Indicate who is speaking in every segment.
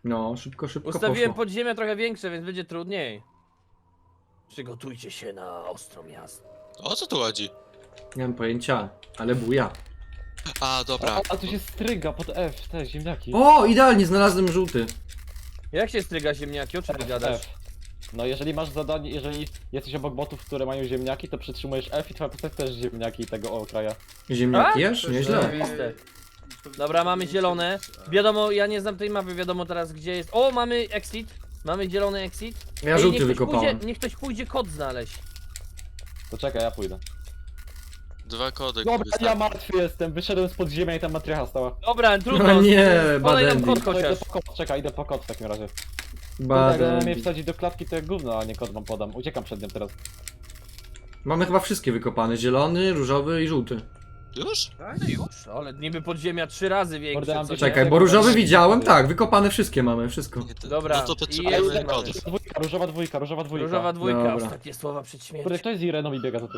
Speaker 1: No, szybko, szybko
Speaker 2: Ustawiłem
Speaker 1: poszło.
Speaker 2: podziemia trochę większe, więc będzie trudniej. Przygotujcie się na ostro miasto.
Speaker 3: O co tu chodzi?
Speaker 1: Nie mam pojęcia, ale buja.
Speaker 3: A, dobra.
Speaker 4: A tu się stryga pod F, te ziemniaki.
Speaker 1: O, idealnie, znalazłem żółty.
Speaker 2: Jak się stryga ziemniaki? O czym ty gadasz?
Speaker 4: F. No jeżeli masz zadanie, jeżeli jesteś obok botów, które mają ziemniaki, to przytrzymujesz F i twoja postać też ziemniaki tego okraja.
Speaker 1: Ziemniaki
Speaker 2: A?
Speaker 1: jesz? Nieźle.
Speaker 2: Oczywiste. Dobra, mamy zielone. Wiadomo, ja nie znam tej mapy, wiadomo teraz gdzie jest. O, mamy exit. Mamy zielony exit.
Speaker 1: Ja
Speaker 2: Ej,
Speaker 1: żółty
Speaker 2: niech ktoś
Speaker 1: wykopałem.
Speaker 2: niech ktoś pójdzie kod znaleźć.
Speaker 4: To czekaj, ja pójdę.
Speaker 3: 2 kody.
Speaker 4: Dobra,
Speaker 3: wystarczy.
Speaker 4: ja martwy jestem, wyszedłem z podziemia i tam matrycha stała.
Speaker 2: Dobra, trudno.
Speaker 1: No nie,
Speaker 2: podaj nam
Speaker 1: Badendi.
Speaker 2: kod
Speaker 4: To idę
Speaker 2: chociaż.
Speaker 4: po kod, czekaj, idę po kod w takim razie. Tak,
Speaker 1: Baden.
Speaker 4: mnie wsadzić do klatki to jak gówno, a nie kod wam podam. Uciekam przed nim teraz.
Speaker 1: Mamy chyba wszystkie wykopane. Zielony, różowy i żółty.
Speaker 3: Już?
Speaker 2: No już, ale niby podziemia 3 razy większe.
Speaker 4: Mordę, mam
Speaker 2: co nie?
Speaker 1: Czekaj, bo różowy widziałem, tak, wykopane wszystkie mamy, wszystko.
Speaker 3: Nie, to,
Speaker 2: Dobra,
Speaker 3: No to
Speaker 2: i
Speaker 3: potrzebujemy
Speaker 2: jeden
Speaker 3: kody.
Speaker 2: mamy.
Speaker 4: Dwójka, różowa dwójka, różowa dwójka.
Speaker 2: Różowa dwójka,
Speaker 1: Dobra.
Speaker 2: ostatnie słowa przed
Speaker 4: Kurde,
Speaker 2: śmiercią.
Speaker 4: kto jest z Ireną i biega za tym?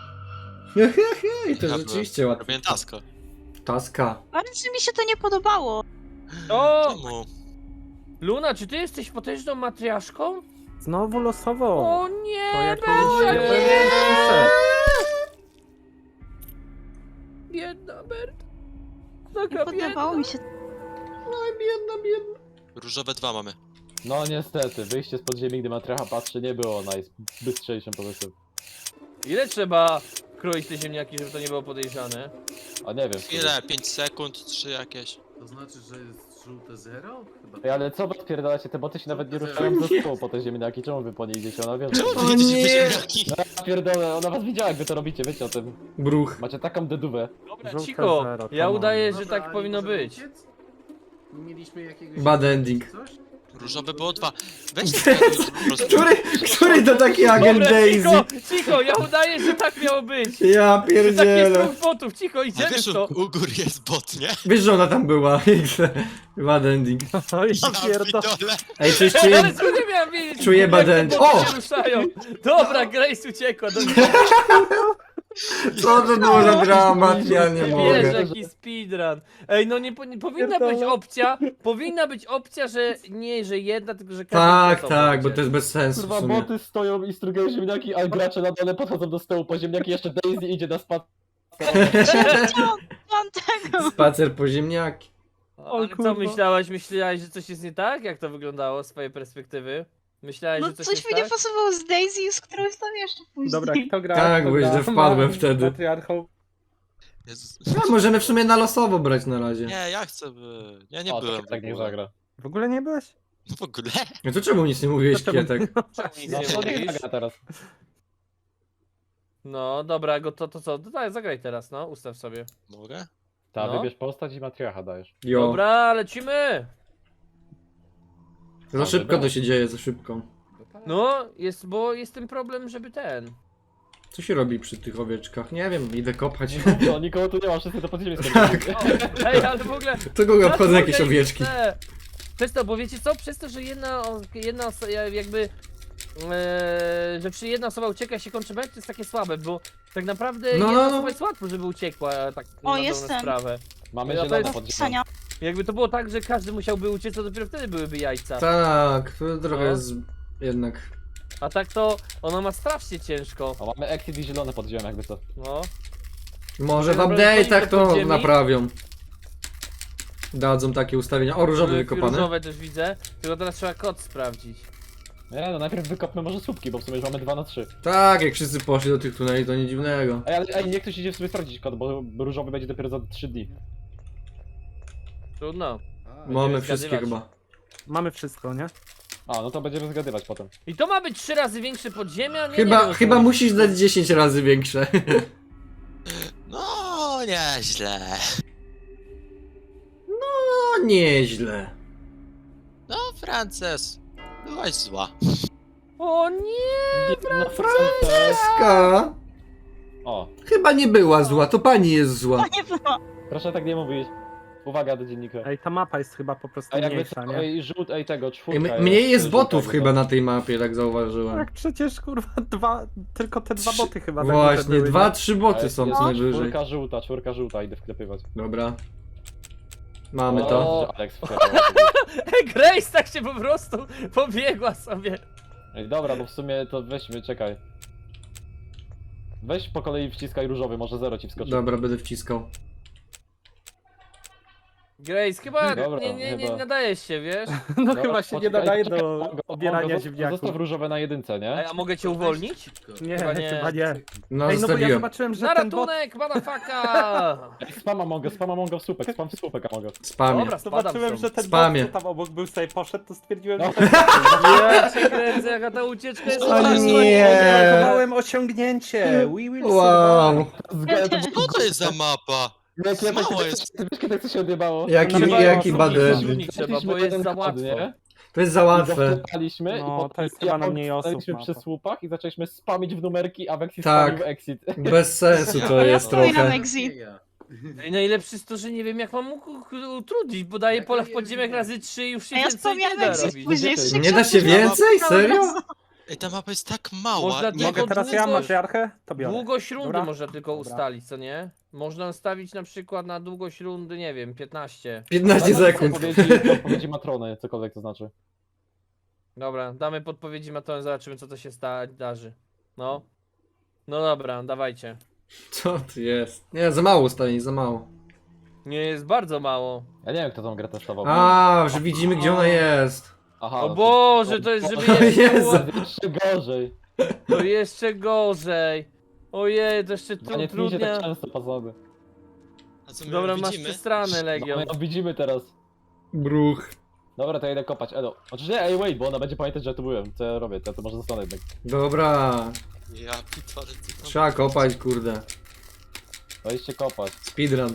Speaker 1: I to
Speaker 3: Ja
Speaker 1: rzeczywiście łatwe.
Speaker 3: Robię taska.
Speaker 1: Taska.
Speaker 5: Bardzo mi się to nie podobało.
Speaker 2: O!
Speaker 3: Czemu?
Speaker 2: Luna, czy ty jesteś potężną matriaszką?
Speaker 6: Znowu losowo.
Speaker 2: O nie!
Speaker 6: To jakieś...
Speaker 2: Biedna Bert.
Speaker 5: Nie
Speaker 2: Taka
Speaker 5: podobało
Speaker 2: biedna.
Speaker 5: mi się.
Speaker 3: Różowe 2 mamy.
Speaker 4: No niestety, wyjście z podziemi, gdy matrycha patrzy, nie było najbystrzejszym pomysłem.
Speaker 2: Ile trzeba kroić te ziemniaki, żeby to nie było podejrzane?
Speaker 4: A nie wiem.
Speaker 3: Chwilę, 5 sekund, 3 jakieś.
Speaker 7: To znaczy, że jest żółte zero? Chyba.
Speaker 4: Ej, ale co wy odpierdalacie, te boty się nawet nie ruszają ze stołu po te ziemniaki, czemu wy po nie idziecie? Ona wie, że...
Speaker 3: Czemu
Speaker 1: O
Speaker 3: wy jedziecie
Speaker 1: nie!
Speaker 3: ziemniaki?
Speaker 4: No ja pierdolę, ona was widziała jak wy to robicie, wiecie o tym.
Speaker 1: Bruch.
Speaker 4: Macie taką dedówę.
Speaker 2: Dobra,
Speaker 6: Żółte
Speaker 2: cicho.
Speaker 6: zero,
Speaker 2: Ja
Speaker 6: come on.
Speaker 2: udaję, że
Speaker 7: Dobra,
Speaker 2: tak
Speaker 7: a
Speaker 2: powinno
Speaker 7: nie możemy
Speaker 2: być.
Speaker 7: uciec? Nie mieliśmy jakiegoś...
Speaker 1: Bad ending.
Speaker 7: Coś?
Speaker 3: Różowe było 2. Weź te po prostu.
Speaker 1: Który to taki agent
Speaker 2: Dobra,
Speaker 1: Daisy?
Speaker 2: cicho, ja udaję, że tak miało być.
Speaker 1: Ja
Speaker 2: Że tak jest
Speaker 1: pierdzielę.
Speaker 2: dwóch botów, cicho,
Speaker 3: A
Speaker 2: idziemy
Speaker 3: wiesz,
Speaker 2: w to.
Speaker 3: u góry jest bot, nie?
Speaker 1: Wiesz, że ona tam była. Bad ending.
Speaker 6: Oj,
Speaker 3: Ja
Speaker 6: pierdol...
Speaker 3: pitole.
Speaker 1: Ej, coś
Speaker 2: Ale
Speaker 1: czuję...
Speaker 2: co nie miałem wiedzieć?
Speaker 1: Czuję
Speaker 2: jak
Speaker 1: bad
Speaker 2: te
Speaker 1: end.
Speaker 2: boty
Speaker 1: O!
Speaker 2: się ruszają. Dobra, Grace uciekła. Do...
Speaker 1: Co to było za dramat? Ja nie
Speaker 2: Wiesz,
Speaker 1: mogę.
Speaker 2: jaki speedrun. Ej, no nie powinna być opcja, że nie, że jedna, tylko że każda
Speaker 1: Tak,
Speaker 2: osoba
Speaker 1: tak, bo
Speaker 2: będzie.
Speaker 1: to jest bez sensu w
Speaker 4: Kurwa,
Speaker 1: sumie.
Speaker 4: boty stoją i strugają ziemniaki, a gracze na dole podchodzą do stołu po ziemniaki, jeszcze Daisy idzie na spad.
Speaker 5: Mam tego.
Speaker 1: Spacer po ziemniaki.
Speaker 2: Ale co
Speaker 6: kurwa.
Speaker 2: myślałaś? Myślałaś, że coś jest nie tak? Jak to wyglądało z twojej perspektywy? Myślałaś,
Speaker 5: No
Speaker 2: że coś
Speaker 5: coś
Speaker 2: jest
Speaker 5: mi nie
Speaker 2: tak?
Speaker 5: pasowało z Daisy, z którąś tam jeszcze później.
Speaker 6: Dobra, kto gra?
Speaker 1: Tak,
Speaker 6: kto
Speaker 1: bo źle
Speaker 6: gra?
Speaker 1: wpadłem wtedy.
Speaker 6: Matriarchą.
Speaker 3: Jezus.
Speaker 1: No, możemy w sumie na losowo brać na razie.
Speaker 3: Nie, ja chcę by... Ja nie
Speaker 4: O,
Speaker 3: byłem
Speaker 4: tak
Speaker 3: w
Speaker 4: nie
Speaker 3: ogóle.
Speaker 4: zagra.
Speaker 6: W ogóle nie byłeś?
Speaker 3: No w ogóle?
Speaker 1: No to czemu nic nie mówiłeś,
Speaker 6: Czemu?
Speaker 1: Kietek?
Speaker 2: Nic
Speaker 4: No
Speaker 2: nie
Speaker 4: to nie
Speaker 2: mówisz?
Speaker 4: zagra teraz.
Speaker 2: No dobra, to co? Daj, zagraj teraz, no, ustaw sobie.
Speaker 3: Mogę?
Speaker 4: Ta,
Speaker 2: No.
Speaker 4: wybierz postać i matriarcha dajesz.
Speaker 1: Jo.
Speaker 2: Dobra, lecimy!
Speaker 1: Za szybko to się dzieje, za szybko.
Speaker 2: No, bo jest ten problem, żeby ten.
Speaker 1: Co się robi przy tych owieczkach? Nie wiem, idę kopać.
Speaker 4: No, nikogo tu nie ma, wszyscy do podziemi
Speaker 1: Tak.
Speaker 4: skończyli.
Speaker 2: O, ej, ale w ogóle.
Speaker 1: To kogo obchodzą jakieś
Speaker 2: Dlaczego
Speaker 1: owieczki?
Speaker 2: te- Przez to, bo wiecie co? Przez to, że jedna osoba jakby. Że przy jedna osoba ucieka i się kończy mecz, to jest takie słabe, bo tak naprawdę
Speaker 1: No,
Speaker 2: jedna
Speaker 1: no, no.
Speaker 2: osoba jest łatwo, żeby uciekła tak
Speaker 5: O,
Speaker 2: na dobrą
Speaker 5: jestem.
Speaker 2: sprawę.
Speaker 4: Mamy
Speaker 2: Ja to
Speaker 4: zielone
Speaker 2: jest
Speaker 4: podziemia.
Speaker 5: Pisania.
Speaker 2: Jakby to było tak, że każdy musiałby uciec, to dopiero wtedy byłyby jajca.
Speaker 1: Tak, to trochę
Speaker 2: No.
Speaker 1: jest jednak.
Speaker 2: A tak to ona ma strasznie ciężko.
Speaker 4: O, mamy exit i zielone podziemia, jakby co.
Speaker 2: No.
Speaker 1: Może w
Speaker 2: Dobra,
Speaker 1: update'ach
Speaker 2: wchodzimy do
Speaker 1: to
Speaker 2: podziemi.
Speaker 1: naprawią. Dadzą takie ustawienia. O, różowy wykopany.
Speaker 2: Różowe też widzę, tylko teraz trzeba kod sprawdzić.
Speaker 4: Nie, no najpierw wykopmy może słupki, bo w sumie już mamy 2 na 3.
Speaker 1: Tak, jak wszyscy poszli do tych tuneli, to nic dziwnego.
Speaker 4: Ej, ale niech ktoś idzie w sobie sprawdzić kod, bo różowy będzie dopiero za 3 dni.
Speaker 2: Trudno.
Speaker 1: Mamy
Speaker 2: zgadywać.
Speaker 1: wszystkie chyba.
Speaker 6: Mamy wszystko, nie?
Speaker 4: A, no to będziemy zgadywać potem.
Speaker 2: I to ma być 3 razy większe podziemia? Nie, nie wiem, o co
Speaker 1: Chyba
Speaker 2: chodzi.
Speaker 1: musisz dać 10 razy większe.
Speaker 3: No, nieźle.
Speaker 1: No nieźle.
Speaker 3: No, Frances. Byłaś zła.
Speaker 2: O nie!
Speaker 4: No,
Speaker 1: Franceska!
Speaker 4: O,
Speaker 1: Chyba nie była zła, to pani jest zła.
Speaker 5: Nie było.
Speaker 4: proszę tak nie mówić. Uwaga do dziennika.
Speaker 6: Ej, ta mapa jest chyba po prostu
Speaker 4: A jakby
Speaker 6: mniejsza,
Speaker 4: co,
Speaker 6: nie?
Speaker 4: ej, tego, czwórka
Speaker 1: Mniej jest
Speaker 4: żółta,
Speaker 1: botów
Speaker 4: jakby
Speaker 1: chyba
Speaker 4: co.
Speaker 1: na tej mapie, tak zauważyłem.
Speaker 6: Tak, przecież kurwa tylko te dwa boty chyba tak
Speaker 1: Właśnie,
Speaker 6: były, nie?
Speaker 1: 2-3
Speaker 4: A,
Speaker 1: boty
Speaker 4: jest-
Speaker 1: są
Speaker 4: jest
Speaker 1: co najwyżej.
Speaker 4: czwórka żółta, idę wklepywać.
Speaker 1: Dobra. Mamy to.
Speaker 4: O, Alex wsiadł.
Speaker 2: Grace tak się po prostu pobiegła sobie.
Speaker 4: Ej, dobra, bo w sumie to weźmy, czekaj. Weź po kolei wciskaj różowy, może 0 ci wskoczy.
Speaker 1: Dobra, będę wciskał.
Speaker 2: Grace, chyba
Speaker 4: Dobra,
Speaker 2: nie
Speaker 4: chyba.
Speaker 2: nadajesz się, wiesz?
Speaker 6: No
Speaker 4: Dobra,
Speaker 6: chyba się nie
Speaker 4: poczekaj,
Speaker 6: nadaje
Speaker 4: poczekaj,
Speaker 6: do
Speaker 4: Mongo,
Speaker 6: obierania
Speaker 4: Mongo,
Speaker 6: ziemniaków.
Speaker 4: Zostaw różowe na jedynce, nie?
Speaker 2: A mogę cię uwolnić?
Speaker 6: Nie,
Speaker 2: Chyba nie.
Speaker 6: chyba nie.
Speaker 1: No,
Speaker 6: Ej, no bo ja
Speaker 1: zostawiłem.
Speaker 6: zobaczyłem, że
Speaker 2: Na
Speaker 6: ten bot...
Speaker 2: ratunek, motherfucker!
Speaker 4: Ej, spama Mongo w słupek, spam w słupek, a Mongo.
Speaker 1: Spamie.
Speaker 2: Dobra, spadam
Speaker 6: Zobaczyłem,
Speaker 2: stąd.
Speaker 6: że ten
Speaker 1: Spamie.
Speaker 6: bot, co tam obok był, sobie poszedł, to stwierdziłem,
Speaker 4: No.
Speaker 6: że...
Speaker 2: Ja cię kręcę, jaka ta ucieczka jest
Speaker 1: O
Speaker 2: straszna.
Speaker 1: nie.
Speaker 6: Odnotowałem osiągnięcie. We will
Speaker 1: Wow.
Speaker 3: Co to jest za mapa?
Speaker 4: Jak
Speaker 3: Mało jest.
Speaker 4: Ty wiesz, kiedy to się odjebało?
Speaker 1: Jaki,
Speaker 2: Trzeba
Speaker 1: jaki
Speaker 2: ją
Speaker 1: badet.
Speaker 2: szumnić trzeba, bo jest za łatwo.
Speaker 1: To jest za łatwe.
Speaker 4: Zapaliśmy
Speaker 6: No,
Speaker 4: i potem
Speaker 6: to jest chyba na mniej osób
Speaker 4: staliśmy
Speaker 6: mapa.
Speaker 4: przy słupach i zaczęliśmy spamić w numerki, a Vexi
Speaker 1: Tak.
Speaker 4: spamił exit.
Speaker 1: Bez sensu to
Speaker 5: Ja
Speaker 1: jest
Speaker 5: stoję na
Speaker 1: trochę.
Speaker 5: exit.
Speaker 7: Nie ja.
Speaker 2: I najlepsze jest to, że nie wiem jak mam utrudnić, bo daję
Speaker 7: Jak
Speaker 2: pola w
Speaker 7: nie
Speaker 2: podziemiach
Speaker 7: wiem.
Speaker 2: razy 3 i już się
Speaker 5: A ja
Speaker 2: więcej nie
Speaker 5: wspomniałem
Speaker 2: da
Speaker 5: exit
Speaker 2: robić.
Speaker 5: później.
Speaker 4: Gdzie
Speaker 5: z
Speaker 4: ty?
Speaker 1: Nie da się więcej? Serio?
Speaker 3: Ej, ta mapa jest tak mała.
Speaker 2: Można
Speaker 3: Nie
Speaker 2: tylko
Speaker 6: Mogę teraz ja matriarchę? To biorę.
Speaker 2: Długość rundy
Speaker 6: Dobra.
Speaker 2: można tylko
Speaker 6: Dobra.
Speaker 2: ustalić, co nie? Można ustawić na przykład na długość rundy, nie wiem, 15.
Speaker 1: 15 sekund.
Speaker 4: Odpowiedzi matrony, cokolwiek to znaczy.
Speaker 2: Dobra, damy podpowiedzi Matonem, zobaczymy co to się darzy. No. No dobra, dawajcie.
Speaker 1: Co to jest? Nie, za mało ustawień, za mało.
Speaker 2: Nie jest bardzo mało.
Speaker 4: Ja nie wiem, kto tą grę testował.
Speaker 1: A, że widzimy gdzie ona jest.
Speaker 4: Aha,
Speaker 2: O
Speaker 4: no
Speaker 2: Boże, to jest żeby
Speaker 1: O
Speaker 2: jeszcze
Speaker 1: Jezu.
Speaker 2: było,
Speaker 4: Jeszcze gorzej.
Speaker 2: to jeszcze gorzej. Ojej, to jeszcze
Speaker 4: No nie tnijcie
Speaker 2: trudnia.
Speaker 4: tak często, pazody.
Speaker 3: A co my
Speaker 2: Dobra, masz
Speaker 3: widzimy?
Speaker 2: przestranę,
Speaker 4: No
Speaker 2: Legion.
Speaker 4: my ją widzimy teraz.
Speaker 1: Bruch.
Speaker 4: Dobra, to ja idę kopać, Edo. Znaczy nie, ej wait, bo ona będzie pamiętać, że ja tu byłem. Co ja robię, to może zostanę jednak.
Speaker 1: Dobra.
Speaker 3: Ja pitole, ty tam...
Speaker 1: Trzeba kopać, kurde.
Speaker 4: No iście kopać.
Speaker 1: Speedrun.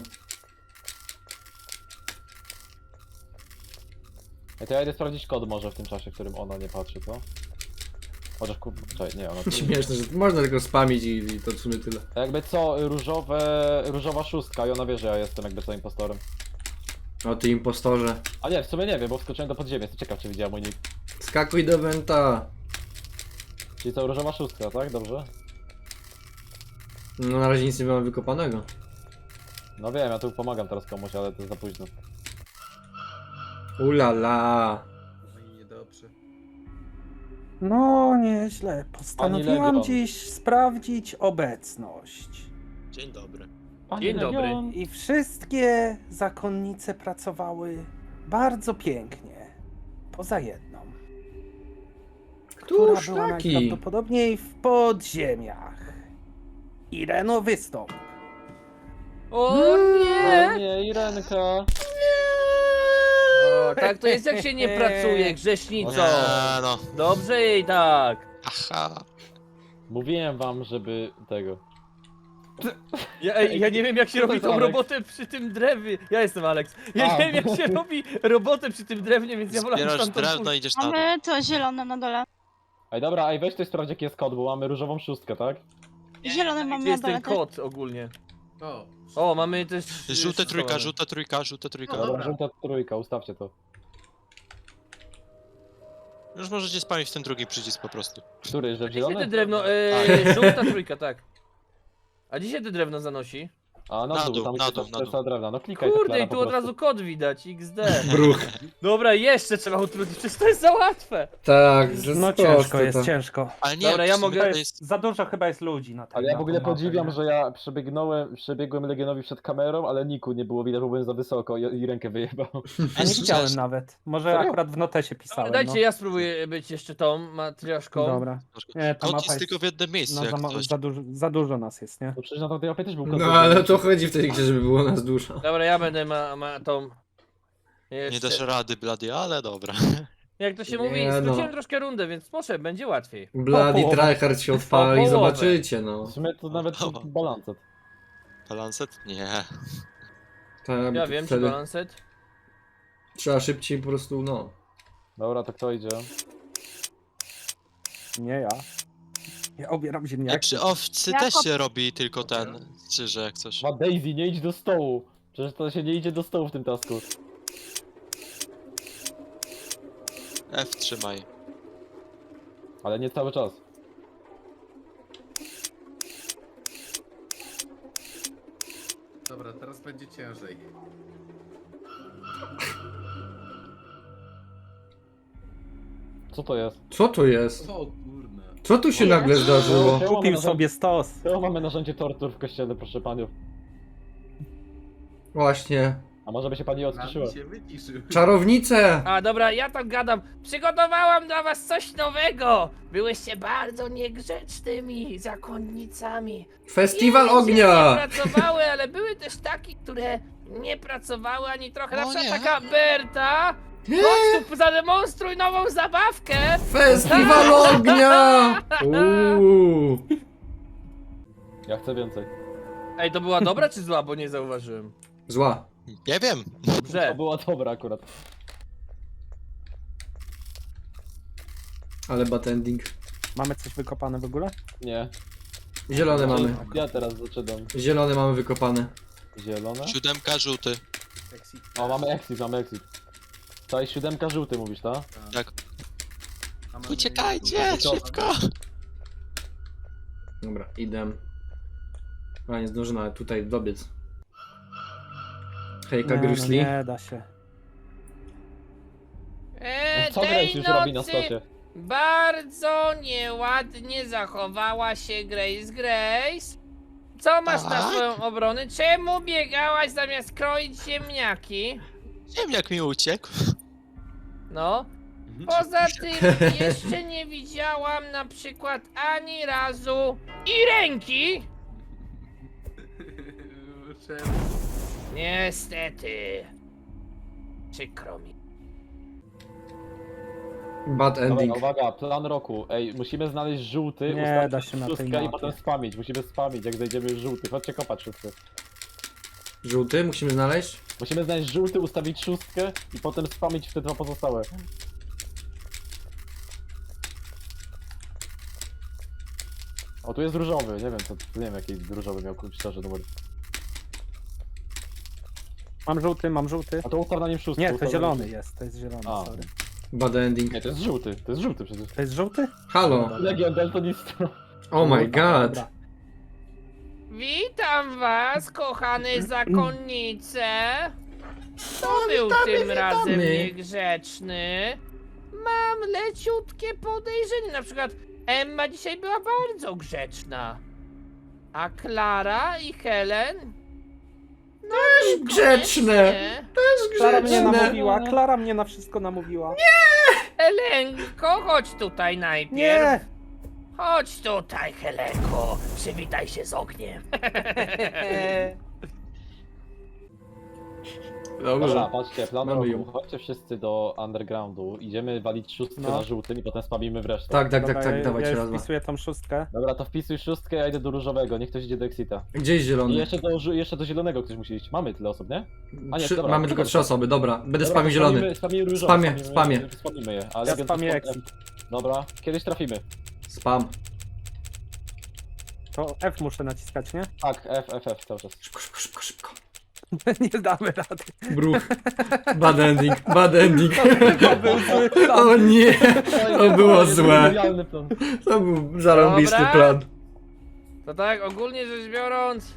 Speaker 4: Ej, to ja idę sprawdzić kod może w tym czasie, w którym ona nie patrzy, co? Chociaż czekaj, nie, ona tu...
Speaker 1: Śmieszne, że można tylko spamić i to w sumie tyle.
Speaker 4: To jakby co, różowa szóstka i ona wie, że ja jestem jakby co impostorem.
Speaker 1: O ty impostorze.
Speaker 4: A nie, w sumie nie wiem, bo wskoczyłem do podziemia, jestem ciekaw czy widziała mój nick.
Speaker 1: Skakuj do Wenta.
Speaker 4: Czyli co, różowa szóstka, tak? Dobrze?
Speaker 1: No na razie nic nie mamy wykopanego.
Speaker 4: No wiem, ja tu pomagam teraz komuś, ale to jest za późno.
Speaker 1: Ulala.
Speaker 7: No i niedobrze.
Speaker 6: No, nieźle. Postanowiłam
Speaker 4: Legion.
Speaker 6: dziś sprawdzić obecność.
Speaker 3: Dzień dobry.
Speaker 2: Dzień dobry.
Speaker 6: I wszystkie zakonnice pracowały bardzo pięknie. Poza jedną. Która
Speaker 1: Któż
Speaker 6: była
Speaker 1: taki?
Speaker 6: najprawdopodobniej w podziemiach. Ireno, wystąp.
Speaker 2: O
Speaker 4: O
Speaker 2: nie!
Speaker 4: nie, Irenka!
Speaker 2: O, tak to jest jak się nie pracuje, grzesznico.
Speaker 3: Nie, no.
Speaker 2: Dobrze jej tak.
Speaker 3: Aha.
Speaker 4: Mówiłem wam, żeby tego...
Speaker 2: Ja nie wiem jak się robi tą
Speaker 4: Alex.
Speaker 2: robotę przy tym drewnie. Ja jestem Alex. Ja
Speaker 4: A.
Speaker 2: nie wiem jak się robi robotę przy tym drewnie, więc ja wolę
Speaker 3: Zbierasz
Speaker 2: tam
Speaker 3: drewno i idziesz na dół.
Speaker 5: Mamy to zielone na dole.
Speaker 4: Ej dobra, ej weź tutaj sprawdź jaki jest kod, bo mamy różową szóstkę, tak?
Speaker 5: Zielone mamy
Speaker 2: Gdzie
Speaker 5: na
Speaker 2: jest
Speaker 5: dole
Speaker 2: ten
Speaker 5: też.
Speaker 2: kod ogólnie?
Speaker 7: O,
Speaker 2: O, mamy też...
Speaker 3: Żółte trójka, żółta trójka, żółta trójka.
Speaker 7: Dobra.
Speaker 4: Dobra, żółta trójka, ustawcie to.
Speaker 3: Już możecie spamić w ten drugi przycisk po prostu.
Speaker 4: Który, że
Speaker 2: Gdzie się te
Speaker 4: zielony?
Speaker 2: drewno... żółta trójka, tak. A gdzie się te drewno zanosi?
Speaker 4: A
Speaker 3: Na dół,
Speaker 4: tam
Speaker 3: na
Speaker 4: gdzie
Speaker 3: dół,
Speaker 4: to
Speaker 3: na
Speaker 4: jest
Speaker 3: dół.
Speaker 4: drewna, no klikaj to,
Speaker 2: Kurde,
Speaker 4: Klara,
Speaker 2: i tu
Speaker 4: po
Speaker 2: od
Speaker 4: prostu.
Speaker 2: razu kod widać, XD.
Speaker 1: Bruch.
Speaker 2: Dobra, jeszcze trzeba utrudnić, przecież to jest za łatwe.
Speaker 1: Tak,
Speaker 6: No
Speaker 1: proste
Speaker 6: ciężko
Speaker 1: to.
Speaker 6: jest, ciężko.
Speaker 3: Ale nie,
Speaker 2: Dobra, ja
Speaker 3: w sumie
Speaker 2: mogę-
Speaker 3: to jest...
Speaker 6: Za dużo chyba jest ludzi na tym.
Speaker 4: Ale ja w ogóle
Speaker 6: na tą mapę,
Speaker 4: podziwiam,
Speaker 6: nie?
Speaker 4: że ja przebiegłem Legionowi przed kamerą, ale Niku nie było widać, bo byłem za wysoko i rękę wyjebał.
Speaker 6: Ja nie widziałem nawet. Może
Speaker 4: Serio?
Speaker 6: akurat w notesie
Speaker 2: Ale
Speaker 6: pisałem.
Speaker 2: dajcie, ja spróbuję być jeszcze tą matrioszką.
Speaker 6: Dobra. Nie, ta
Speaker 3: Kod
Speaker 6: mapa
Speaker 3: jest
Speaker 6: jest...
Speaker 3: tylko w jednym miejscu,
Speaker 6: No,
Speaker 3: jak
Speaker 6: za,
Speaker 3: coś.
Speaker 6: za dużo nas jest, nie?
Speaker 4: No przecież na tamtej mapie też był kod.
Speaker 1: No ale to chodzi w tej grze, żeby było nas dużo.
Speaker 2: Dobra, ja będę tą...
Speaker 3: Nie
Speaker 2: Jeszcze.
Speaker 3: dasz rady, blady, ale dobra.
Speaker 2: Jak to się
Speaker 1: Nie
Speaker 2: mówi,
Speaker 1: no.
Speaker 2: skróciłem troszkę rundę, więc może będzie łatwiej.
Speaker 1: Bloody
Speaker 6: połowę.
Speaker 1: tryhard się odpali,
Speaker 2: połowę.
Speaker 1: zobaczycie no.
Speaker 4: W sumie to nawet
Speaker 3: Dobra.
Speaker 4: balancet.
Speaker 3: Balancet? Nie.
Speaker 1: Tak,
Speaker 2: Ja wiem, czy
Speaker 1: wtedy
Speaker 2: balanset.
Speaker 1: trzeba szybciej po prostu, no.
Speaker 4: Dobra, to kto idzie?
Speaker 6: Nie ja. Ja obieram
Speaker 3: Jak
Speaker 6: ziemniaki.
Speaker 3: przy owcy
Speaker 5: Ja
Speaker 3: też
Speaker 5: kop-
Speaker 3: się robi tylko ten, czy że jak coś.
Speaker 4: Ma Daisy, nie idź do stołu. Przecież to się nie idzie do stołu w tym tasku.
Speaker 3: F trzymaj.
Speaker 4: Ale nie cały czas.
Speaker 7: dobra, teraz będzie ciężej.
Speaker 4: Co to jest?
Speaker 1: Co to jest?
Speaker 7: O kurna.
Speaker 1: Co tu się nagle zdarzyło?
Speaker 6: Kupił sobie stos.
Speaker 4: To mamy narzędzie tortur w kościele, proszę paniów.
Speaker 1: Właśnie.
Speaker 4: A może by się pani odciszyła?
Speaker 7: Nami się wyciszył.
Speaker 1: Czarownice!
Speaker 2: A dobra, ja tam gadam. Przygotowałam dla was coś nowego. Byłyście bardzo niegrzecznymi zakonnicami.
Speaker 1: Festiwal
Speaker 2: Jedne się
Speaker 1: ognia!
Speaker 2: Nie pracowały, ale były też takie, które nie pracowały ani trochę. Na
Speaker 3: O
Speaker 2: przykład
Speaker 3: nie.
Speaker 2: taka Berta. Chodź tu, zademonstruj nową zabawkę.
Speaker 1: Festiwal ognia! Uuu.
Speaker 4: Ja chcę więcej.
Speaker 2: Ej, to była dobra czy zła, bo nie zauważyłem.
Speaker 1: Zła.
Speaker 3: Nie wiem.
Speaker 4: To
Speaker 2: Dobrze.
Speaker 4: była dobra akurat.
Speaker 1: Ale bad ending.
Speaker 6: Mamy coś wykopane w ogóle?
Speaker 4: Nie.
Speaker 1: Zielone mamy.
Speaker 4: Ja teraz zaczynam.
Speaker 1: Zielone mamy wykopane.
Speaker 4: Zielone.
Speaker 3: 7 żółty.
Speaker 7: Exit.
Speaker 4: O, mamy exit, mamy exit. To jest 7 żółty, mówisz, tak?
Speaker 3: Tak.
Speaker 7: A mamy-
Speaker 3: Uciekajcie, szybko.
Speaker 1: Dobra, idę. A nie zdążę nawet tutaj dobiec. Hejka,
Speaker 6: Nie,
Speaker 1: Grizzly.
Speaker 6: nie da się.
Speaker 4: Co Grace już robi na stosie?
Speaker 2: Bardzo nieładnie zachowała się Grace. Co masz na
Speaker 3: Tak?
Speaker 2: swoją obronę? Czemu biegałaś zamiast kroić ziemniaki?
Speaker 3: Ziemniak mi uciekł.
Speaker 2: No. Poza tym jeszcze nie widziałam na przykład ani razu i ręki.
Speaker 7: Czemu?
Speaker 2: Niestety. Przykro mi.
Speaker 1: Bad
Speaker 4: Dobra,
Speaker 1: ending.
Speaker 4: uwaga, plan roku. Ej, musimy znaleźć żółty,
Speaker 6: Nie
Speaker 4: ustawić
Speaker 6: da się na tej
Speaker 4: szóstkę i
Speaker 6: mapie.
Speaker 4: potem spamić. Musimy spamić, jak znajdziemy już żółty. Chodźcie kopać wszyscy.
Speaker 1: Żółty musimy znaleźć?
Speaker 4: Musimy znaleźć żółty, ustawić szóstkę i potem spamić w te dwa pozostałe. O, tu jest różowy, nie wiem co, nie wiem jaki różowy miał szczerze numer.
Speaker 6: Mam żółty.
Speaker 4: A to ustaw na nim szóstkę.
Speaker 6: Nie, to
Speaker 4: ustaw na
Speaker 6: zielony
Speaker 4: nim-
Speaker 6: jest, to jest zielony,
Speaker 4: A.
Speaker 6: sorry.
Speaker 1: Bad ending.
Speaker 4: Nie, to jest żółty przecież.
Speaker 6: To jest żółty?
Speaker 1: Halo.
Speaker 4: Legion Daltonista.
Speaker 1: Oh my god.
Speaker 6: Dobra.
Speaker 2: Witam was, kochane zakonnice. Kto był tym razem niegrzeczny? Mam leciutkie podejrzenie. Na przykład Emma dzisiaj była bardzo grzeczna. A Klara i Helen? No,
Speaker 1: Grzeczne.
Speaker 2: nie.
Speaker 6: Klara mnie
Speaker 1: Grzeczne.
Speaker 6: namówiła, Klara mnie na wszystko namówiła.
Speaker 2: Helenko, chodź tutaj najpierw.
Speaker 6: Nie!
Speaker 2: Chodź tutaj, Helenko. Przywitaj się z ogniem.
Speaker 4: Dobra,
Speaker 1: Dobrze.
Speaker 4: patrzcie, plan
Speaker 1: Mamy
Speaker 4: roku.
Speaker 1: ją.
Speaker 4: Chodźcie wszyscy do undergroundu, idziemy walić szóstkę
Speaker 6: No.
Speaker 4: na żółtym i potem spamimy w resztę.
Speaker 1: Tak, tak,
Speaker 6: Dobra,
Speaker 1: tak, tak,
Speaker 6: ja
Speaker 1: dawajcie
Speaker 6: już
Speaker 1: raz. Dwa.
Speaker 6: wpisuję tą szóstkę.
Speaker 4: Dobra, to wpisuj szóstkę, ja idę do różowego, niech ktoś idzie do Exita.
Speaker 1: Gdzie jest
Speaker 4: I
Speaker 1: zielony?
Speaker 4: jeszcze do zielonego ktoś musi iść. Mamy tyle osób, nie? A nie, dobra,
Speaker 1: Mamy tylko
Speaker 4: dobra.
Speaker 1: 3 osoby, dobra. Będę
Speaker 4: Dobra,
Speaker 1: spamił
Speaker 4: to
Speaker 1: zielony.
Speaker 4: Spamimy różowy,
Speaker 1: Spamię.
Speaker 4: Spamimy je. Ale
Speaker 6: Ja
Speaker 4: Legion
Speaker 6: spamię
Speaker 4: to-
Speaker 6: exit.
Speaker 4: Dobra, kiedyś trafimy.
Speaker 1: Spam.
Speaker 6: To F muszę naciskać, nie?
Speaker 4: Tak, F cały czas.
Speaker 1: Szybko, szybko, szybko, szybko.
Speaker 6: Nie damy rady.
Speaker 1: Bruch. Bad ending, bad ending.
Speaker 6: To był zły plan.
Speaker 1: O nie, to było
Speaker 4: jest
Speaker 1: złe.
Speaker 4: genialny plan.
Speaker 1: To był zarąbisty
Speaker 2: Dobra.
Speaker 1: plan.
Speaker 2: To tak, ogólnie rzecz biorąc...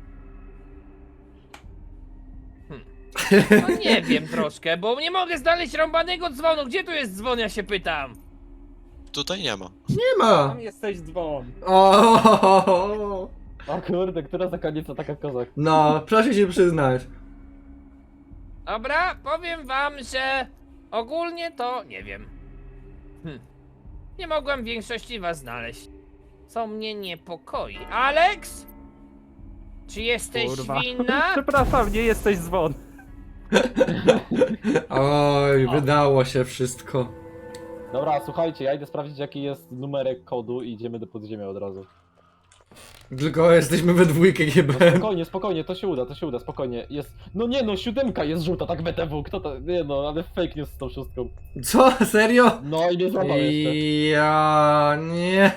Speaker 2: No nie wiem troszkę, bo nie mogę znaleźć rąbanego dzwonu. Gdzie tu jest dzwon, ja się pytam?
Speaker 3: Tutaj nie ma.
Speaker 1: Nie ma.
Speaker 6: Tam jesteś dzwon.
Speaker 1: O.
Speaker 4: O kurde, która zakonnica taka kozak.
Speaker 1: No, proszę się przyznać.
Speaker 2: Dobra, powiem wam, że ogólnie to nie wiem. Nie mogłem większości was znaleźć. Co mnie niepokoi. Alex? Czy jesteś
Speaker 6: Kurwa.
Speaker 2: winna?
Speaker 6: Przepraszam, nie jesteś dzwon.
Speaker 1: Oj, wydało się wszystko.
Speaker 4: Dobra, słuchajcie, ja idę sprawdzić jaki jest numerek kodu i idziemy do podziemia od razu.
Speaker 1: Tylko jesteśmy we dwójkę
Speaker 4: No
Speaker 1: GBM.
Speaker 4: spokojnie, spokojnie, to się uda, spokojnie. Jest. No nie no, 7 jest żółta, tak BTW, kto to. Nie no, ale fake news z tą szóstką.
Speaker 1: Co? Serio?
Speaker 4: No i mnie złapał jeszcze.
Speaker 1: Ja nie.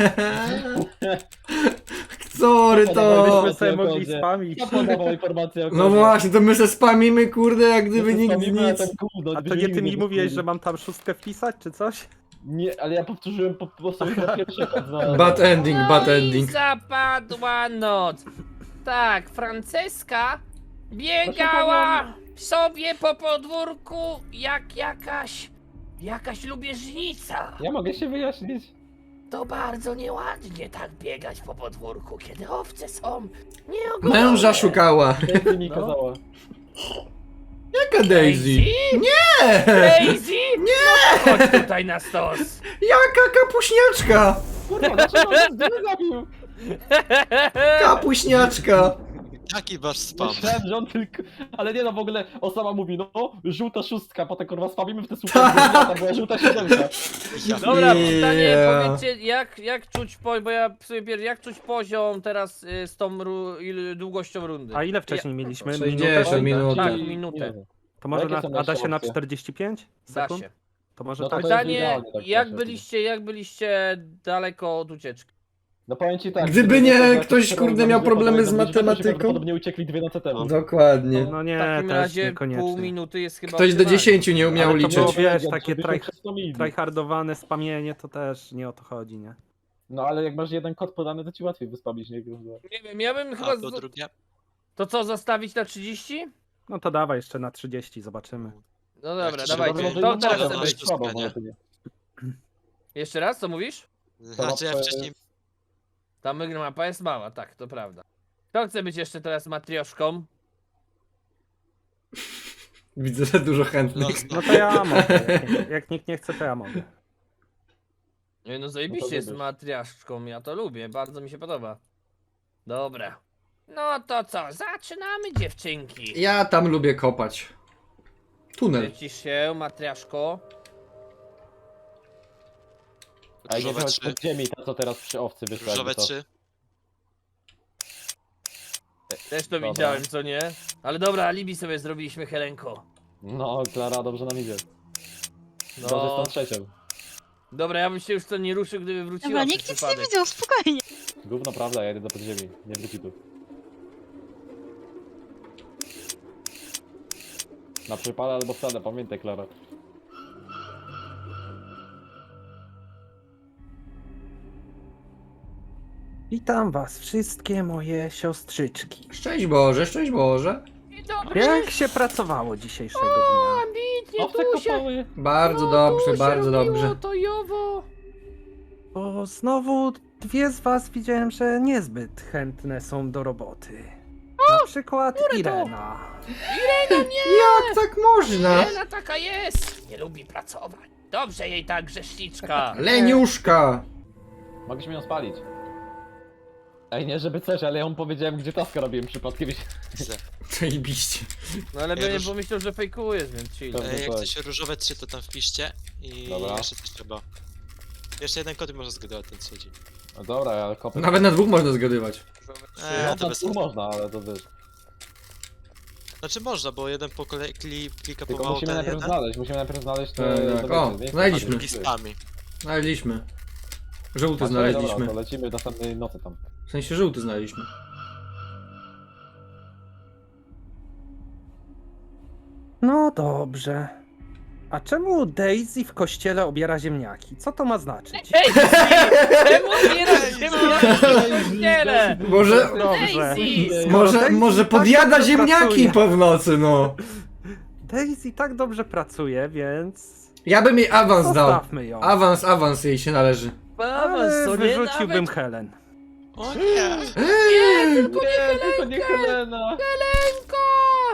Speaker 1: Sorry to.
Speaker 6: Byśmy sobie mogli
Speaker 4: kodzie.
Speaker 6: spamić.
Speaker 4: Ja podawał informację o
Speaker 1: No
Speaker 4: kodzie.
Speaker 1: właśnie, to my se spamimy, kurde, jak gdyby nikt
Speaker 4: Spamimy, a
Speaker 1: nic.
Speaker 4: ten gówno,
Speaker 6: A to
Speaker 4: byśmy
Speaker 6: nie ty
Speaker 4: nigdy
Speaker 6: mi mówiłeś,
Speaker 4: wysłali.
Speaker 6: że mam tam szóstkę wpisać, czy coś?
Speaker 4: Nie, ale ja powtórzyłem po sobie po pierwszy raz.
Speaker 1: Bad ending, bad
Speaker 2: No i
Speaker 1: ending.
Speaker 2: zapadła noc. Tak, Franceska biegała sobie po podwórku jak jakaś lubieżnica.
Speaker 4: Ja mogę się wyjaśnić.
Speaker 2: To bardzo nieładnie tak biegać po podwórku, kiedy owce są nieogolone.
Speaker 1: Męża szukała.
Speaker 4: Daisy mi
Speaker 2: No.
Speaker 4: kazała.
Speaker 1: Jaka Daisy? Nie!
Speaker 2: Daisy? Nie! No to chodź tutaj na stos.
Speaker 1: Jaka kapuśniaczka?
Speaker 4: Kurwa, dlaczego on mnie zabił?
Speaker 1: Kapuśniaczka.
Speaker 3: Jaki wasz spam?
Speaker 4: Myślałem, że on tylko... Ale nie no, w ogóle osoba mówi, no, żółta szóstka, potem kurwa spawimy w te słupy, to była żółta siódemka.
Speaker 2: Dobra, pytanie,
Speaker 1: Yeah.
Speaker 2: powiedzcie, jak czuć bo ja sobie jak czuć poziom teraz z tą długością rundy?
Speaker 6: A ile wcześniej mieliśmy?
Speaker 1: 60 minut.
Speaker 2: Tak,
Speaker 4: Czyli-
Speaker 2: minutę.
Speaker 6: To może
Speaker 4: Jakie są
Speaker 6: a da się na
Speaker 4: jeszcze opcje?
Speaker 6: 45
Speaker 2: Da
Speaker 6: sekund?
Speaker 2: się.
Speaker 6: To może
Speaker 4: No to
Speaker 6: tak.
Speaker 4: to jest
Speaker 2: Pytanie,
Speaker 4: idealnie, tak
Speaker 2: jak byliście daleko od ucieczki?
Speaker 4: No powiem ci tak.
Speaker 1: Gdyby nie ktoś, kurde, miał problemy z matematyką.
Speaker 4: Prawdopodobnie uciekli 2 noce temu.
Speaker 1: Dokładnie.
Speaker 6: No
Speaker 2: W
Speaker 6: nie,
Speaker 2: takim
Speaker 6: też
Speaker 2: razie
Speaker 6: niekoniecznie.
Speaker 2: pół minuty jest chyba
Speaker 1: Ktoś do
Speaker 2: optymalnie.
Speaker 1: 10 nie umiał
Speaker 6: Ale to było,
Speaker 1: liczyć.
Speaker 6: wiesz, takie
Speaker 4: Żebyśmy
Speaker 6: tryhardowane spamienie, to też nie o to chodzi, nie?
Speaker 4: No ale jak masz jeden kod podany, to ci łatwiej wyspamić, nie?
Speaker 2: Nie wiem, ja bym chyba...
Speaker 3: A po drugie?
Speaker 2: To co, zostawić na 30?
Speaker 6: No to dawaj jeszcze na 30, zobaczymy.
Speaker 2: No dobra,
Speaker 3: Jak
Speaker 2: dawajcie.
Speaker 3: się
Speaker 2: To
Speaker 3: robi,
Speaker 2: teraz
Speaker 3: to
Speaker 2: chcę
Speaker 3: masz
Speaker 2: być.
Speaker 3: to spania.
Speaker 2: Jeszcze raz, co mówisz?
Speaker 3: Znaczy ja wcześniej...
Speaker 2: Ta mapa jest mała, tak, to prawda. Kto chce być jeszcze teraz matrioszką?
Speaker 1: Widzę, że dużo chętnych.
Speaker 3: Los,
Speaker 6: No to ja mogę. Jak nikt nie chce, to ja mogę.
Speaker 2: Nie, no
Speaker 4: No
Speaker 2: zajebiście
Speaker 4: to
Speaker 2: jest
Speaker 4: wybierz.
Speaker 2: matriaszką, ja to lubię, bardzo mi się podoba. Dobra. No to co, zaczynamy dziewczynki.
Speaker 1: Ja tam lubię kopać. Tunel.
Speaker 2: Lecisz się, matriaszko.
Speaker 4: A jak nie
Speaker 3: Różowe
Speaker 4: chodź
Speaker 3: 3.
Speaker 4: pod ziemi, to co teraz przy owcy wyszło.
Speaker 3: Różowe
Speaker 4: jakby to.
Speaker 3: 3.
Speaker 2: Też to
Speaker 4: Dobra.
Speaker 2: widziałem, co nie? Ale dobra, alibi sobie zrobiliśmy, Helenko.
Speaker 4: No, Klara, dobrze nam idzie.
Speaker 2: No,
Speaker 4: Dobrze z tą trzecią.
Speaker 2: dobra, ja bym się już to nie ruszył, gdyby wróciła
Speaker 5: Dobra,
Speaker 2: przez
Speaker 5: nikt nic nie
Speaker 2: przypadek.
Speaker 5: widział, spokojnie.
Speaker 4: Gówno prawda, ja jedę do podziemi. Nie wróci tu. Na przypale albo wcale, pamiętaj, Klara.
Speaker 6: Witam was wszystkie moje siostrzyczki.
Speaker 1: Szczęść Boże, szczęść Boże.
Speaker 2: Dzień dobry,
Speaker 6: Jak się pracowało dzisiejszego dnia?
Speaker 2: ambitnie,
Speaker 4: Owce
Speaker 2: tu się...
Speaker 4: kopały!
Speaker 1: Bardzo
Speaker 2: No,
Speaker 1: dobrze,
Speaker 2: tu się
Speaker 1: bardzo
Speaker 2: robiło
Speaker 1: dobrze.
Speaker 2: To jowo.
Speaker 6: Bo znowu dwie z was widziałem, że niezbyt chętne są do roboty. Na przykład Irena.
Speaker 1: Jak tak można?
Speaker 2: Ela taka jest. Nie lubi pracować. Dobrze jej tak, grzeszniczka.
Speaker 1: Leniuszka.
Speaker 4: Mogliśmy ją spalić. Ej, nie żeby coś, ale ja mu powiedziałem, gdzie taska robiłem przypadkiem.
Speaker 1: Zajebiście.
Speaker 2: No ale
Speaker 3: Ej,
Speaker 2: bym
Speaker 3: róż-
Speaker 2: pomyślał, że fejkujesz, więc chill.
Speaker 4: Dobra.
Speaker 3: Jak
Speaker 4: tak.
Speaker 3: coś różowe 3 to tam wpiszcie i
Speaker 4: Dobra.
Speaker 3: jeszcze coś trzeba. Jeszcze jeden kod i można zgadywać ten trzeci.
Speaker 4: No dobra, ja kopię.
Speaker 1: Nawet na dwóch można zgadywać.
Speaker 4: No,
Speaker 3: To
Speaker 4: to
Speaker 3: bez
Speaker 4: tu można, ale to wiesz.
Speaker 3: Znaczy można, bo jeden po kolei klika
Speaker 4: Tylko
Speaker 3: pomału
Speaker 4: musimy
Speaker 3: ten
Speaker 4: najpierw
Speaker 3: jeden,
Speaker 4: znaleźć, musimy najpierw znaleźć te...
Speaker 1: Tak,
Speaker 4: te
Speaker 1: o,
Speaker 4: wiecie, nie?
Speaker 1: znaleźliśmy.
Speaker 3: drugi spami.
Speaker 1: Znaleźliśmy. Żółty
Speaker 4: Dobra,
Speaker 1: znaleźliśmy.
Speaker 4: to lecimy w następnej nocy tam.
Speaker 1: W sensie żółty znaleźliśmy.
Speaker 6: No dobrze. A czemu Daisy w kościele obiera ziemniaki? Co to ma znaczyć?
Speaker 2: Ej, czemu zbierasz ziemniaki w kościele?
Speaker 1: Może,
Speaker 6: Dobrze.
Speaker 2: Daisy!
Speaker 1: może,
Speaker 6: Daisy
Speaker 1: może
Speaker 6: tak
Speaker 1: podjada
Speaker 6: dobrze
Speaker 1: ziemniaki
Speaker 6: pracuje.
Speaker 1: po w nocy, no.
Speaker 6: Daisy tak dobrze pracuje, więc
Speaker 1: Ja bym jej awans dał.
Speaker 6: zostawmy ją.
Speaker 1: Awans jej się należy.
Speaker 6: Ale
Speaker 2: Co nie
Speaker 6: wyrzuciłbym
Speaker 2: nawet...
Speaker 6: Helen.
Speaker 3: O nie!
Speaker 4: Tylko nie Helena!
Speaker 2: Helenko!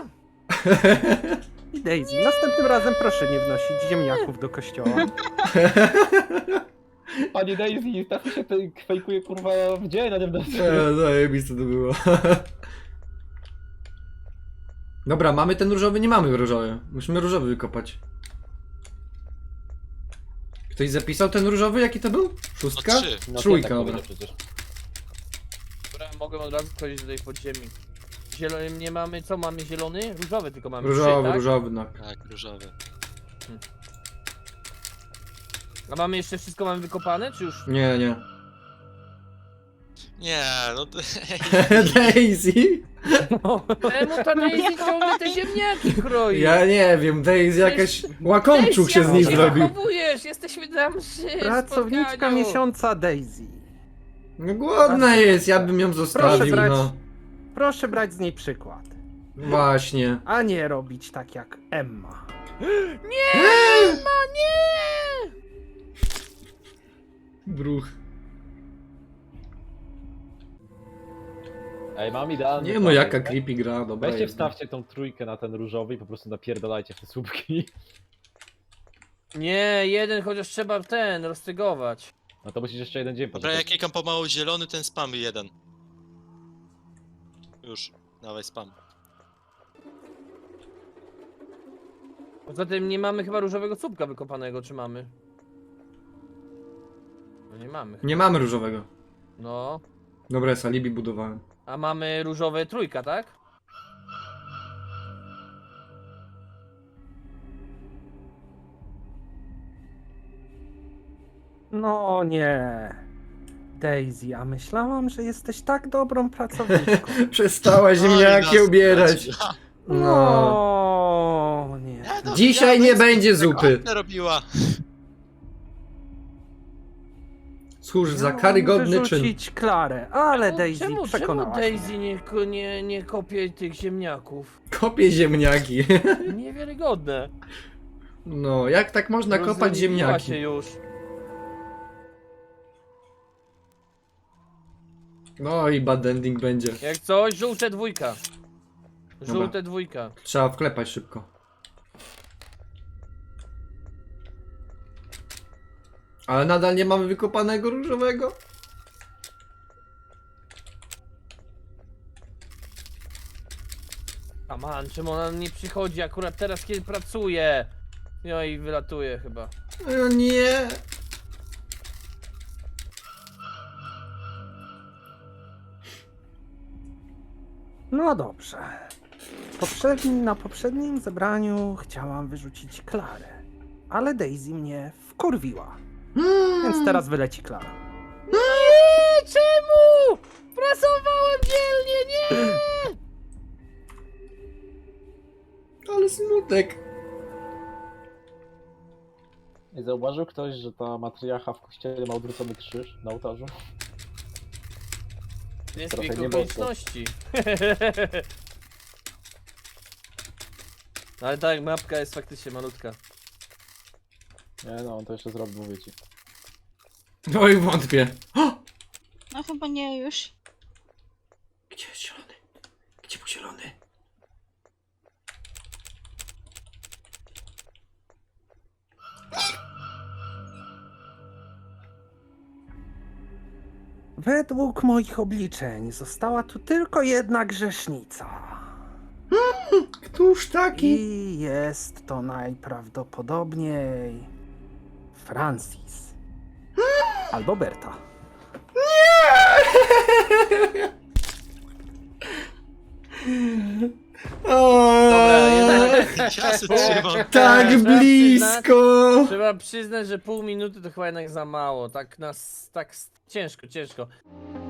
Speaker 6: I Daisy, następnym razem proszę nie wnosić ziemniaków do kościoła.
Speaker 4: Pani Daisy, tak się fejkuje kurwa w dzień, a nie w nocy.
Speaker 1: Zajebiste to było. Dobra, mamy ten różowy, nie mamy różowy. Musimy różowy wykopać. Ktoś zapisał ten różowy? Jaki to był?
Speaker 3: No
Speaker 1: Szóstka?
Speaker 3: 3.
Speaker 4: No,
Speaker 1: Trójka,
Speaker 4: tak
Speaker 1: dobra.
Speaker 4: powiedział przecież.
Speaker 2: Dobra, mogę od razu wchodzić do tej podziemi. Zielony nie mamy, co mamy zielony? Różowy tylko mamy.
Speaker 1: Różowy,
Speaker 2: 3, tak?
Speaker 1: różowy, no.
Speaker 3: Tak, różowy.
Speaker 2: A mamy jeszcze wszystko mamy wykopane, czy już?
Speaker 1: Nie, nie.
Speaker 3: Nie, no to...
Speaker 1: Daisy?
Speaker 2: Czemu ta Daisy ciągle te ziemniaki kroi?
Speaker 1: Ja nie wiem, Daisy jakaś łakomczuk się z nim
Speaker 2: jak
Speaker 1: zrobił.
Speaker 2: zachowujesz? Jesteśmy na mszy,
Speaker 6: Pracowniczka
Speaker 2: spotkaniu.
Speaker 6: miesiąca Daisy.
Speaker 1: No głodna jest, ja bym ją zostawił,
Speaker 6: brać.
Speaker 1: no.
Speaker 6: Proszę brać z niej przykład.
Speaker 1: Właśnie.
Speaker 6: A nie robić tak jak Emma.
Speaker 2: Nie! Ma nie!
Speaker 1: Bruch.
Speaker 4: Ej, mam idealny
Speaker 1: Nie
Speaker 4: plan.
Speaker 1: no, jaka creepy gra, dobra.
Speaker 4: Weźcie
Speaker 1: jest.
Speaker 4: wstawcie tą trójkę na ten różowy i po prostu napierdalajcie w te słupki.
Speaker 2: Nie, jeden chociaż trzeba ten roztygować.
Speaker 4: No to musisz jeszcze jeden dzień
Speaker 3: Dobra, ja
Speaker 4: poczekać.
Speaker 3: klikam pomału zielony, ten spam jeden. Już, dawaj spam.
Speaker 2: Poza tym nie mamy chyba różowego słupka wykopanego, czy mamy? No nie mamy.
Speaker 1: Nie mamy różowego.
Speaker 2: No.
Speaker 1: Dobra, jest alibi budowałem.
Speaker 2: A mamy różowe trójka, tak?
Speaker 6: No nie. Daisy, a myślałam, że jesteś tak dobrą pracowniczką.
Speaker 1: Przestała ziemniaki
Speaker 3: Oj, nas
Speaker 1: ubierać.
Speaker 3: straci.
Speaker 1: No.
Speaker 6: No nie.
Speaker 3: No,
Speaker 1: Dzisiaj nie będzie zupy.
Speaker 3: Anna robiła.
Speaker 1: Cóż za
Speaker 6: Miałam
Speaker 1: karygodny czyn.
Speaker 6: wyrzucić Klarę, ale Daisy
Speaker 2: czemu
Speaker 6: przekonała mnie.
Speaker 2: Daisy nie kopie tych ziemniaków?
Speaker 1: Kopie ziemniaki.
Speaker 2: Niewiarygodne.
Speaker 1: No, jak tak można kopać
Speaker 2: Rozleniwiła
Speaker 1: ziemniaki?
Speaker 2: się już.
Speaker 1: No i bad ending będzie.
Speaker 2: Jak coś, żółte dwójka.
Speaker 1: Dobra.
Speaker 2: Żółte dwójka.
Speaker 1: Trzeba wklepać szybko. Ale nadal nie mamy wykopanego różowego.
Speaker 2: A man, czemu ona nie przychodzi akurat teraz, kiedy pracuje? No i wylatuje chyba.
Speaker 1: O nie.
Speaker 6: No dobrze. Na poprzednim zebraniu chciałam wyrzucić Klarę, ale Daisy mnie wkurwiła. Więc teraz wyleci Klara.
Speaker 2: Nie, czemu? Pracowałem dzielnie, nie!
Speaker 1: Ale smutek.
Speaker 4: Nie zauważył ktoś, że ta matriarcha w kościele ma odwrócony krzyż na ołtarzu?
Speaker 2: Nie
Speaker 4: Trochę
Speaker 2: zbieg
Speaker 4: nie
Speaker 2: okoliczności. Ale tak, mapka jest faktycznie malutka.
Speaker 4: Nie no, on to jeszcze zrobi, mówię ci.
Speaker 1: Oj, wątpię. O!
Speaker 5: No chyba nie już.
Speaker 1: Gdzie jest zielony? Gdzie był zielony?
Speaker 6: Według moich obliczeń została tu tylko jedna grzesznica.
Speaker 1: Któż taki?
Speaker 6: I jest to najprawdopodobniej Francis. Albo Berta.
Speaker 2: Dobra, jednak
Speaker 3: Ja się trzymam.
Speaker 1: Tak
Speaker 2: Trzeba
Speaker 1: blisko!
Speaker 2: trzeba przyznać, że pół minuty to chyba jednak za mało. Tak ciężko.